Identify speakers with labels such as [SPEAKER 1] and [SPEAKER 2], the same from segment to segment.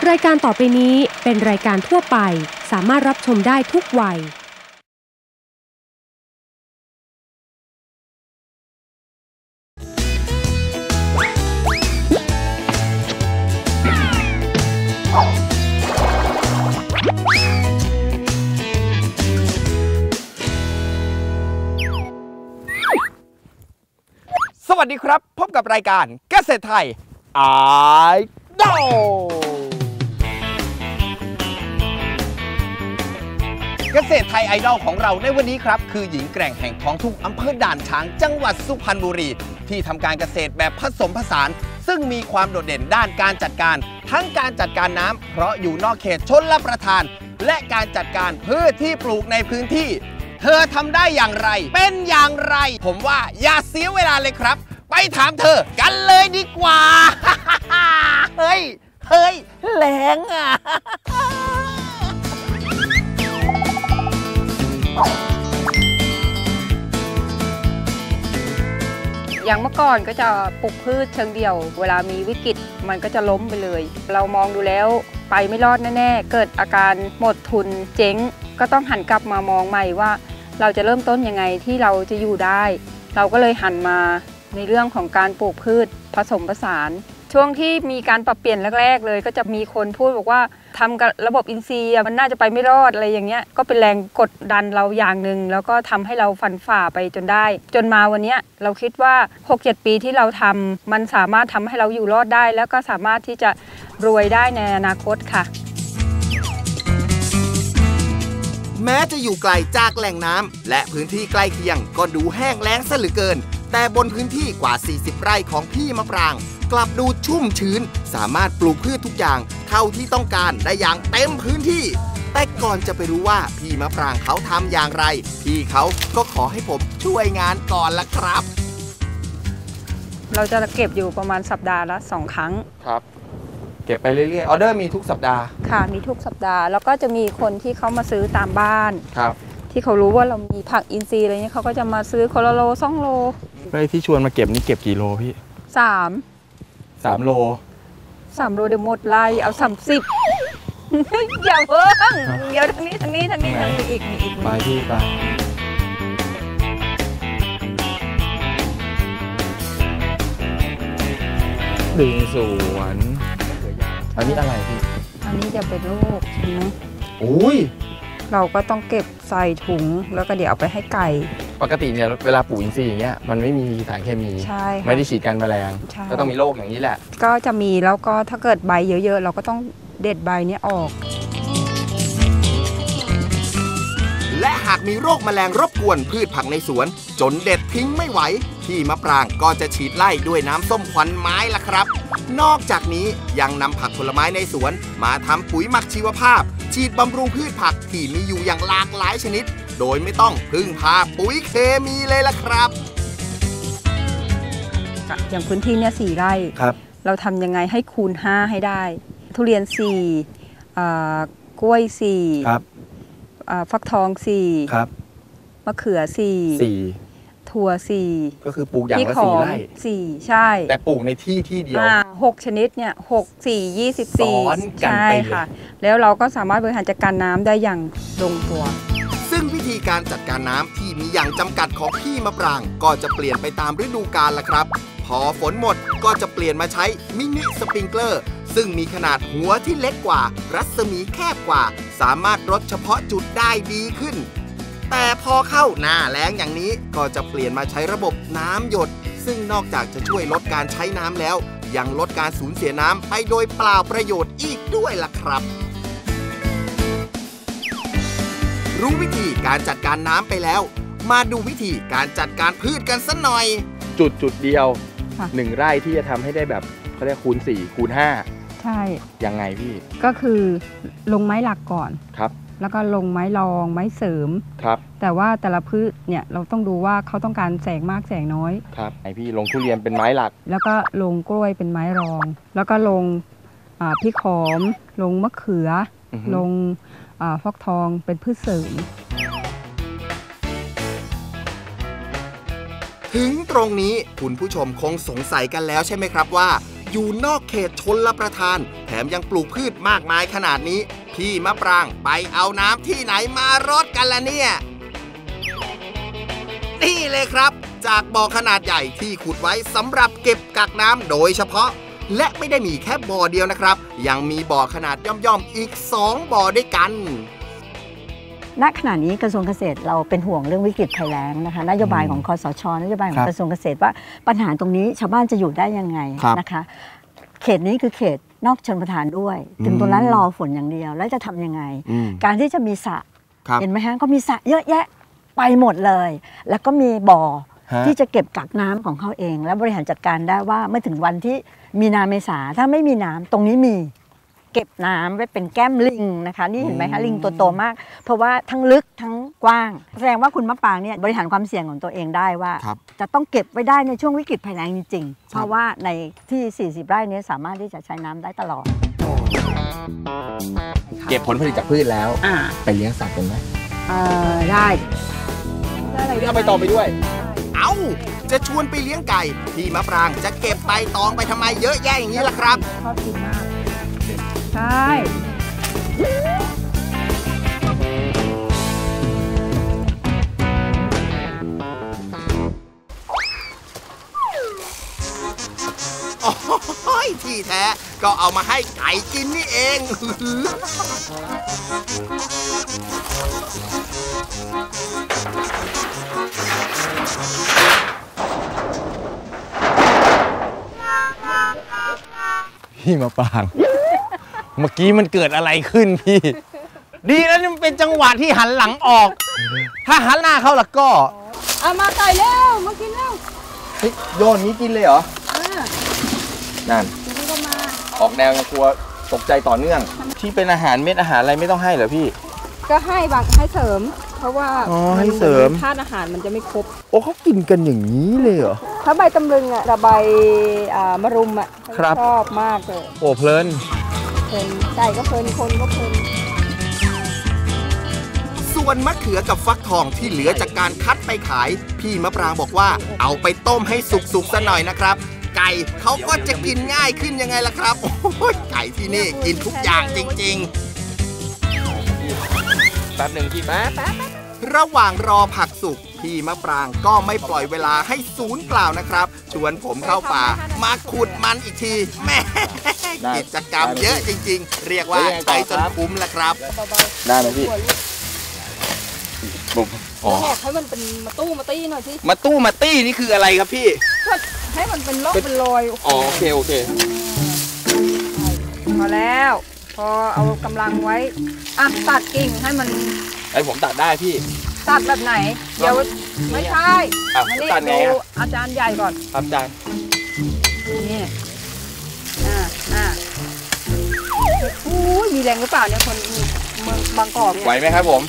[SPEAKER 1] รายการต่อไปนี้เป็นรายการทั่วไปสามารถรับชมได้ทุกวัย
[SPEAKER 2] สวัสดีครับพบกับรายการเกษตรไทยไอดอลเกษตรไทยไอดอลของเราในวันนี้ครับคือหญิงแกร่งแห่งท้องทุ่งอำเภอด่านช้างจังหวัดสุพรรณบุรีที่ทำการเกษตรแบบผสมผสานซึ่งมีความโดดเด่นด้านการจัดการทั้งการจัดการน้ำเพราะอยู่นอกเขตชลประทานและการจัดการพืชที่ปลูกในพื้นที่เธอทำได้อย่างไรเป็นอย่างไรผมว่าอย่าเสียเวลาเลยครับไปถามเธอกันเลยดีกว่า เฮ้ยแรงอ่ะ
[SPEAKER 3] อย่างเมื่อก่อนก็จะปลูกพืชเชิงเดี่ยวเวลามีวิกฤตมันก็จะล้มไปเลยเรามองดูแล้วไปไม่รอดแน่ๆเกิดอาการหมดทุนเจ๊งก็ต้องหันกลับมามองใหม่ว่าเราจะเริ่มต้นยังไงที่เราจะอยู่ได้เราก็เลยหันมาในเรื่องของการปลูกพืชผสมผสานช่วงที่มีการปรับเปลี่ยนแรกๆเลยก็จะมีคนพูดบอกว่าทำกับระบบอินทรีย์มันน่าจะไปไม่รอดอะไรอย่างเงี้ยก็เป็นแรงกดดันเราอย่างหนึ่งแล้วก็ทำให้เราฟันฝ่าไปจนได้จนมาวันนี้เราคิดว่า 6-7 ปีที่เราทำมันสามารถทำให้เราอยู่รอดได้แล้วก็สามารถที่จะรวยได้ในอนาคตค่ะ
[SPEAKER 2] แม้จะอยู่ไกลจากแหล่งน้ำและพื้นที่ใกล้เคียงก็ดูแห้งแล้งซะเหลือเกินแต่บนพื้นที่กว่า40ไร่ของพี่มะปรางกลับดูชุ่มชื้นสามารถปลูกพืชทุกอย่างเท่าที่ต้องการได้อย่างเต็มพื้นที่แต่ก่อนจะไปรู้ว่าพี่มะปรางเขาทำอย่างไรพี่เขาก็ขอให้ผมช่วยงานก่อนละครับ
[SPEAKER 3] เราจะเก็บอยู่ประมาณสัปดาห์ละ2 ครั้ง
[SPEAKER 2] ครับเก็บไปเรื่อยๆออเดอร์มีทุกสัปดาห์
[SPEAKER 3] ค่ะมีทุกสัปดาห์แล้วก็จะมีคนที่เขามาซื้อตามบ้าน
[SPEAKER 2] ครับ
[SPEAKER 3] ที่เขารู้ว่าเรามีผักอินทรีย์อะไรเงี้ยเขาก็จะมาซื้อคนละโล2 โล
[SPEAKER 4] ไอ้ที่ชวนมาเก็บนี่เก็บกี่โลพี่
[SPEAKER 3] 3
[SPEAKER 4] โล
[SPEAKER 3] 3 โลเดี๋ยวหมดไล่เอา30 อย่าเพิ่งเดี๋ยวทางนี้อีก
[SPEAKER 4] ไปพี่ไปดึงสวนอันนี้อะไรพี่
[SPEAKER 3] อันนี้จะเป็นลูกใช่ไหม
[SPEAKER 4] อุ้ย
[SPEAKER 3] เราก็ต้องเก็บใส่ถุงแล้วก็เดี๋ยวเอาไปให้ไก่
[SPEAKER 4] ปกติเนี่ยเวลาปลูกอินทรีย์อย่างเงี้ยมันไม่มีสารเคมี
[SPEAKER 3] ใช่
[SPEAKER 4] ไม่ได้ฉีดกันแมลงก็ต้องมีโรคอย่างนี้แหละ
[SPEAKER 3] ก็จะมีแล้วก็ถ้าเกิดใบเยอะๆเราก็ต้องเด็ดใบนี้ออก
[SPEAKER 2] และหากมีโรคแมลงรบกวนพืชผักในสวนจนเด็ดทิ้งไม่ไหวพี่มะปรางก็จะฉีดไล่ด้วยน้ำส้มควันไม้ล่ะครับนอกจากนี้ยังนำผักผลไม้ในสวนมาทำปุ๋ยหมักชีวภาพฉีดบำรุงพืชผักที่มีอยู่อย่างหลากหลายชนิดโดยไม่ต้องพึ่งพาปุ๋ยเคมีเลยล่ะครับ
[SPEAKER 3] อย่างพื้นที่เนี่ย4 ไร่เราทำยังไงให้คูณ5ให้ได้ทุเรียน4กล้วย4ฟักทอง4มะเขือ4ถั่ว4
[SPEAKER 4] ก็คือปลูกอย่างละ4 ไร่
[SPEAKER 3] 4ใช่
[SPEAKER 4] แต่ปลูกในที่เดียว
[SPEAKER 3] 6 ชนิดเนี่ย6 4 24ใช่ค่ะแล้วเราก็สามารถบริหารจัดการน้ำได้อย่างลงตัว
[SPEAKER 2] ซึ่งวิธีการจัดการน้ำที่มีอย่างจำกัดของพี่มะปรางก็จะเปลี่ยนไปตามฤดูกาลละครับพอฝนหมดก็จะเปลี่ยนมาใช้มินิสปริงเกอร์ซึ่งมีขนาดหัวที่เล็กกว่ารัศมีแคบกว่าสามารถรดเฉพาะจุดได้ดีขึ้นแต่พอเข้าหน้าแล้งอย่างนี้ก็จะเปลี่ยนมาใช้ระบบน้ำหยดซึ่งนอกจากจะช่วยลดการใช้น้ำแล้วยังลดการสูญเสียน้ำไปโดยเปล่าประโยชน์อีกด้วยล่ะครับรู้วิธีการจัดการน้ำไปแล้วมาดูวิธีการจัดการพืชกันสักหน่อย
[SPEAKER 4] จุดเดียว1 ไร่ที่จะทำให้ได้แบบเขาเรียกคูณ4คูณ5
[SPEAKER 3] ใช่
[SPEAKER 4] ยังไงพี่
[SPEAKER 3] ก็คือลงไม้หลักก่อน
[SPEAKER 4] ครับ
[SPEAKER 3] แล้วก็ลงไม้รองไม้เสริม
[SPEAKER 4] ครับ
[SPEAKER 3] แต่ว่าแต่ละพืชเนี่ยเราต้องดูว่าเขาต้องการแสงมากแสงน้อย
[SPEAKER 4] ครับไอพี่ลงทุเรียนเป็นไม้หลัก
[SPEAKER 3] แล้วก็ลงกล้วยเป็นไม้รองแล้วก็ลงพริกหอมลงมะเขือลงฟักทองเป็นพืชเสริม
[SPEAKER 2] ถึงตรงนี้คุณผู้ชมคงสงสัยกันแล้วใช่ไหมครับว่าอยู่นอกเขตชลประทานแถมยังปลูกพืชมากมายขนาดนี้พี่มะปรางไปเอาน้ำที่ไหนมารดกันล่ะเนี่ยนี่เลยครับจากบ่อขนาดใหญ่ที่ขุดไว้สำหรับเก็บกักน้ำโดยเฉพาะและไม่ได้มีแค่บ่อเดียวนะครับยังมีบ่อขนาดย่อมๆอีก2บ่อด้วยกัน
[SPEAKER 5] ณขณะนี้กระทรวงเกษตรเราเป็นห่วงเรื่องวิกฤตภัยแล้งนะคะนโยบายของคสช.นโยบายของกระทรวงเกษตรว่าปัญหาตรงนี้ชาวบ้านจะอยู่ได้ยังไงนะคะเขตนี้คือเขตนอกชลประทานด้วยถึงตรงนั้นรอฝนอย่างเดียวแล้วจะทำยังไงการที่จะมีสระเห็นไหมฮะก็มีสระเยอะแยะไปหมดเลยแล้วก็มีบ่อที่จะเก็บกักน้ำของเขาเองและบริหารจัดการได้ว่าเมื่อถึงวันที่มีนาเมษาถ้าไม่มีน้ำตรงนี้มีเก็บน้ำไว้เป็นแก้มลิงนะคะนี่เห็นไหมคะลิงตัวโตมากเพราะว่าทั้งลึกทั้งกว้างแสดงว่าคุณมะปรางเนี่ยบริหารความเสี่ยงของตัวเองได้ว่าจะต้องเก็บไว้ได้ในช่วงวิกฤตภัยแล้งจริงๆเพราะว่าในที่40 ไร่นี้สามารถที่จะใช้น้ำได้ตลอด
[SPEAKER 4] เก็บผลผลิตจากพืชแล้วไปเลี้ยงสัตว์กันไหม
[SPEAKER 5] ได้
[SPEAKER 4] เอาไปต่อไปด้วย
[SPEAKER 2] เอาจะชวนไปเลี้ยงไก่พี่มะปรางจะเก็บใบตองไปทำไมเยอะแยะอย่างนี้ล่ะครับ
[SPEAKER 5] ชอบกินมากใช่
[SPEAKER 2] โอ้ยที่แท้ก็เอามาให้ไก่กินนี่เอง
[SPEAKER 4] พี่มะปรางเมื่อกี้มันเกิดอะไรขึ้นพี่
[SPEAKER 2] ดีแล้วนี่มันเป็นจังหวะที่หันหลังออกถ้าหันหน้าเข้าแล้วก็
[SPEAKER 5] เอามาไก่เร็วมากินเร็ว
[SPEAKER 4] เฮ้ยโยนนี้กินเลยเหรอนั่นออกแนวยังกลัวตกใจต่อเนื่องที่เป็นอาหารเม็ดอาหารอะไรไม่ต้องให้เหรอพี่
[SPEAKER 5] ก็ให้บางให้เสริมเพราะว่า
[SPEAKER 4] ให้เสริม
[SPEAKER 5] ธาตุอาหารมันจะไม่ครบ
[SPEAKER 4] โอ้เขากินกันอย่างนี้เลยเหรอ
[SPEAKER 5] ถ้าใบตำลึงอ่ะใบมะรุมอ่ะชอบมากเลย
[SPEAKER 4] โอ้เพลิน
[SPEAKER 5] ไก่ก็เพลินคนก็เพลิน
[SPEAKER 2] ส่วนมะเขือกับฟักทองที่เหลือจากการคัดไปขายพี่มะปรางบอกว่าเอาไปต้มให้สุกๆซะหน่อยนะครับไก่เขาก็จะกินง่ายขึ้นยังไงล่ะครับโอ้ยไก่ที่นี่กินทุกอย่างจริง
[SPEAKER 4] ๆแป๊บหนึ่งพี่แป๊บ
[SPEAKER 2] ระหว่างรอผักสุกพี่มะปรางก็ไม่ปล่อยเวลาให้สูญเปล่านะครับชวนผมเข้าป่ามาขุดมันอีกทีแม่กิจกรรมเยอะจริงๆเรียกว่าไปจนคุ้มแล้วครับ
[SPEAKER 4] ได้ไหมพี่
[SPEAKER 5] บอกให้มันเป็นมาตู้มาตี้หน่อยที่
[SPEAKER 2] มาตู้มาตี้นี่คืออะไรครับพี่
[SPEAKER 5] ให้มันเป็นร่องเป็นรอย
[SPEAKER 2] โอเค
[SPEAKER 5] พอแล้วพอเอากำลังไว้ตัดกิ่งให้มัน
[SPEAKER 4] ผมตัดได้พี่
[SPEAKER 5] ตัดแบบไหนเดี๋ยวไม่ใช่
[SPEAKER 4] ตัดไง
[SPEAKER 5] อาจารย์ใหญ่ก่อน
[SPEAKER 4] ครับอาจารย์
[SPEAKER 5] นี่มีแรงหรือเปล่าเนี่ยคนเมืองบางกอกเนี่ย
[SPEAKER 4] ไหวไหมครับผม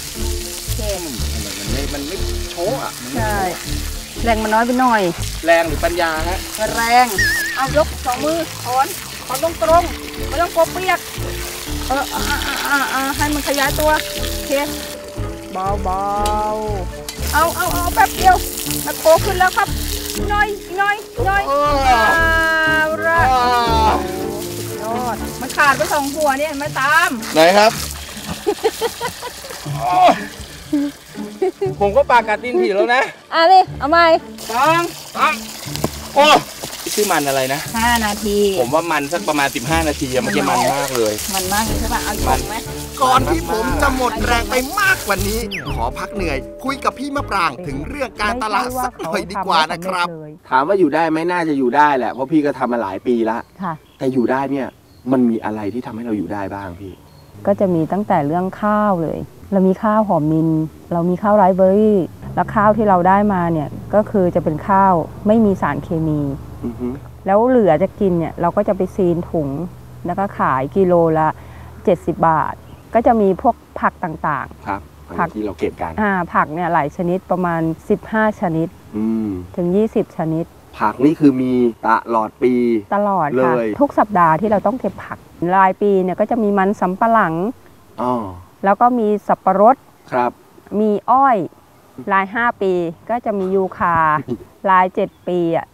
[SPEAKER 2] มันไม่โชว์อ่ะ
[SPEAKER 5] ใช่แรงมันน้อยไปหน่อย
[SPEAKER 2] แรงหรือปัญญาฮะ
[SPEAKER 5] แรงเอายก2 มือถอนตรงไม่ต้องกลัวเปียกให้มันขยายตัวโอเคเบาเอาแป๊บเดียวมันโคขึ้นแล้วครับน้อยระยอดมันขาดไป2 หัวเนี่ยไม่ตาม
[SPEAKER 4] ไหนครับผมก็ปากกัดตีนผีแล้วนะ
[SPEAKER 5] นี่เอาใหม่
[SPEAKER 4] โอ้ชื่อมันอะไรนะ
[SPEAKER 5] 5 นาที
[SPEAKER 4] ผมว่ามันสักประมาณ15 นาทีมันจะมันมากเลย
[SPEAKER 5] มันมากเลยใช่ป่ะเอาอีกไหม
[SPEAKER 2] ก่อนที่ผมจะหมดแรงไปมากกว่านี้ขอพักเหนื่อยคุยกับพี่มะปรางถึงเรื่องการตลาดสักหน่อยดีกว่านะครับ
[SPEAKER 4] ถามว่าอยู่ได้ไหมน่าจะอยู่ได้แหละเพราะพี่ก็ทำมาหลายปีละแต่อยู่ได้เนี่ยมันมีอะไรที่ทำให้เราอยู่ได้บ้างพี่
[SPEAKER 6] ก็จะมีตั้งแต่เรื่องข้าวเลยเรามีข้าวหอมมินเรามีข้าวไรซ์เบอร์รี่แล้วข้าวที่เราได้มาเนี่ยก็คือจะเป็นข้าวไม่มีสารเคมีแล้วเหลือจะกินเนี่ยเราก็จะไปซีนถุงแล้วก็ขายกิโลละ70 บาทก็จะมีพวกผักต่าง
[SPEAKER 4] ๆครับผักที่เราเก็บกัน
[SPEAKER 6] ผักเนี่ยหลายชนิดประมาณ15 ชนิดถึง20 ชนิด
[SPEAKER 4] ผักนี่คือมีตลอดปี
[SPEAKER 6] ตลอดค่ะทุกสัปดาห์ที่เราต้องเก็บผักรายปีเนี่ยก็จะมีมันสำปะหลังแล้วก็มีสับปะรด
[SPEAKER 4] ครับ
[SPEAKER 6] มีอ้อยราย5 ปีก็จะมียูคาราย7 ปี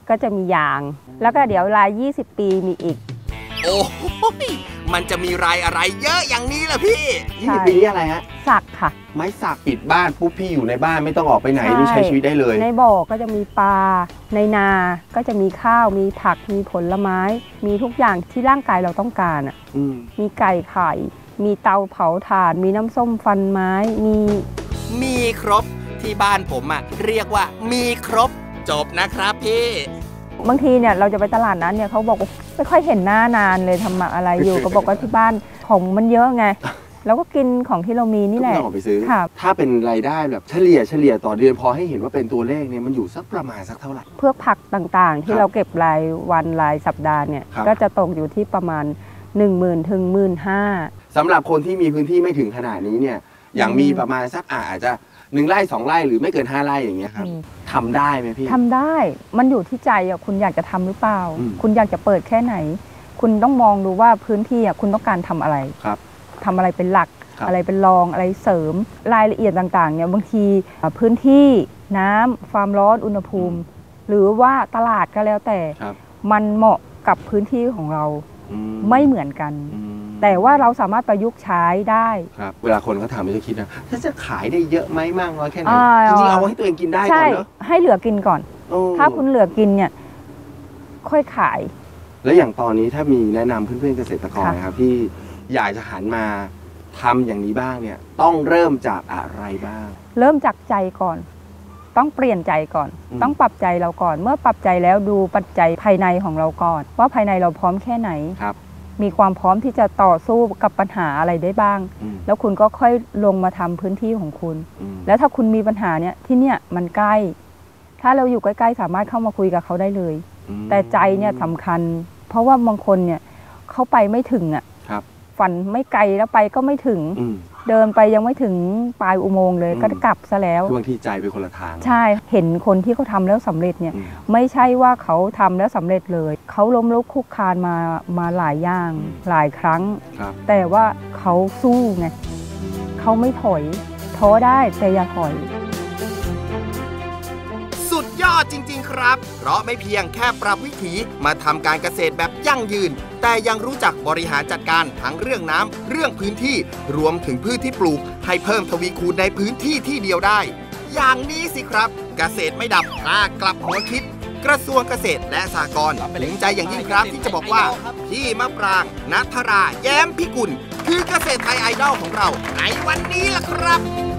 [SPEAKER 6] ก็จะมียาง แล้วก็เดี๋ยวราย20 ปีมีอีก
[SPEAKER 2] โอ้ยมันจะมีรายอะไรเยอะอย่างนี้ล่ะพี่
[SPEAKER 6] ใช่
[SPEAKER 4] 20 ปีนี้อะไรฮะ
[SPEAKER 6] สักค่ะ
[SPEAKER 4] ไม้สักปิดบ้านปุ๊บพี่อยู่ในบ้านไม่ต้องออกไปไหนนี่ใช้ชีวิตได้เลย
[SPEAKER 6] ในบ่อก็จะมีปลาในนาก็จะมีข้าวมีผักมีผลไม้ มีทุกอย่างที่ร่างกายเราต้องการอ่ะมีไก่ไข่มีเตาเผาถ่านมีน้ำส้มฟันไม้
[SPEAKER 2] มีครบที่บ้านผมอ่ะเรียกว่ามีครบจบนะครับพี่
[SPEAKER 6] บางทีเนี่ยเราจะไปตลาดนั้นเนี่ยเขาบอกว่าไม่ค่อยเห็นหน้านานเลยทำอะไรอยู่ ก็บอกว่าที่บ้านของมันเยอะไงแล้วก็กินของที่เรามีนี่แหละ
[SPEAKER 4] ต้องออกไปซื้อถ้าเป็นรายได้แบบเฉลี่ยต่อเดือนพอให้เห็นว่าเป็นตัวเลขเนี่ยมันอยู่สักประมาณสักเท่าไหร่
[SPEAKER 6] เพื่อผักต่างๆที่เราเก็บรายวันรายสัปดาห์เนี่ยก็จะตกอยู่ที่ประมาณ 10,000 ถึง 15,000
[SPEAKER 4] สำหรับคนที่มีพื้นที่ไม่ถึงขนาดนี้เนี่ยอย่างมีประมาณสักอาจจะ1 ไร่ 2 ไร่หรือไม่เกิน5 ไร่อย่างเงี้ยครับทำได้ไหมพี่
[SPEAKER 6] ทำได้มันอยู่ที่ใจอ่ะคุณอยากจะทำหรือเปล่าคุณอยากจะเปิดแค่ไหนคุณต้องมองดูว่าพื้นที่อ่ะคุณต้องการทำอะไรทำอะไรเป็นหลักอะไรเป็นรองอะไรเสริมรายละเอียดต่างๆเนี่ยบางทีพื้นที่น้ำความร้อนอุณหภูมิหรือว่าตลาดก็แล้วแต่มันเหมาะกับพื้นที่ของเราไม่เหมือนกันแต่ว่าเราสามารถประยุกต์ใช้ได้
[SPEAKER 4] ครับเวลาคนเขาถามมันจะคิดนะถ้าจะขายได้เยอะไหมมากน้อยแค่ไหนจริงๆเอาให้ตัวเองกินได้ก่อนเนาะ
[SPEAKER 6] ให้เหลือกินก่อนถ้าคุณเหลือกินเนี่ยค่อยขาย
[SPEAKER 4] แล้วอย่างตอนนี้ถ้ามีแนะนำเพื่อนๆเกษตรกรนะครับที่อยากจะหันมาทำอย่างนี้บ้างเนี่ยต้องเริ่มจากอะไรบ้าง
[SPEAKER 6] เริ่มจากใจก่อนต้องเปลี่ยนใจก่อนต้องปรับใจเราก่อนเมื่อปรับใจแล้วดูปัจจัยภายในของเราก่อนว่าภายในเราพร้อมแค่ไหนมีความพร้อมที่จะต่อสู้กับปัญหาอะไรได้บ้างแล้วคุณก็ค่อยลงมาทำพื้นที่ของคุณแล้วถ้าคุณมีปัญหาเนี่ยที่เนี่ยมันใกล้ถ้าเราอยู่ใกล้ๆสามารถเข้ามาคุยกับเขาได้เลยแต่ใจเนี่ยสำคัญเพราะว่าบางคนเนี่ยเขาไปไม่ถึงอ่ะฝันไม่ไกลแล้วไปก็ไม่ถึงเดินไปยังไม่ถึงปลายอุโมงค์เลยก็กลับซะแล้ว
[SPEAKER 4] บางทีใจไปคนละทาง
[SPEAKER 6] ใช่เห็นคนที่เขาทำแล้วสำเร็จเนี่ยไม่ใช่ว่าเขาทำแล้วสำเร็จเลยเขาล้มลุกคลุกคลานมาหลายอย่างหลายครั้งแต่ว่าเขาสู้ไงเขาไม่ถอยท้อได้แต่อย่าถอย
[SPEAKER 2] สุดยอดจริงๆครับเพราะไม่เพียงแค่ปรับวิถีมาทำการเกษตรแบบยั่งยืนแต่ยังรู้จักบริหารจัดการทั้งเรื่องน้ำเรื่องพื้นที่รวมถึงพืชที่ปลูกให้เพิ่มทวีคูณในพื้นที่ที่เดียวได้อย่างนี้สิครับเกษตรไม่ดับถ้ากลับหัวคิดกระทรวงเกษตรและสหกรณ์ภูมิใจอย่างยิ่งครับที่จะบอกว่าพี่มะปรางณัฐราแย้มพิกุลคือเกษตรไทยไอดอลของเราในวันนี้ล่ะครับ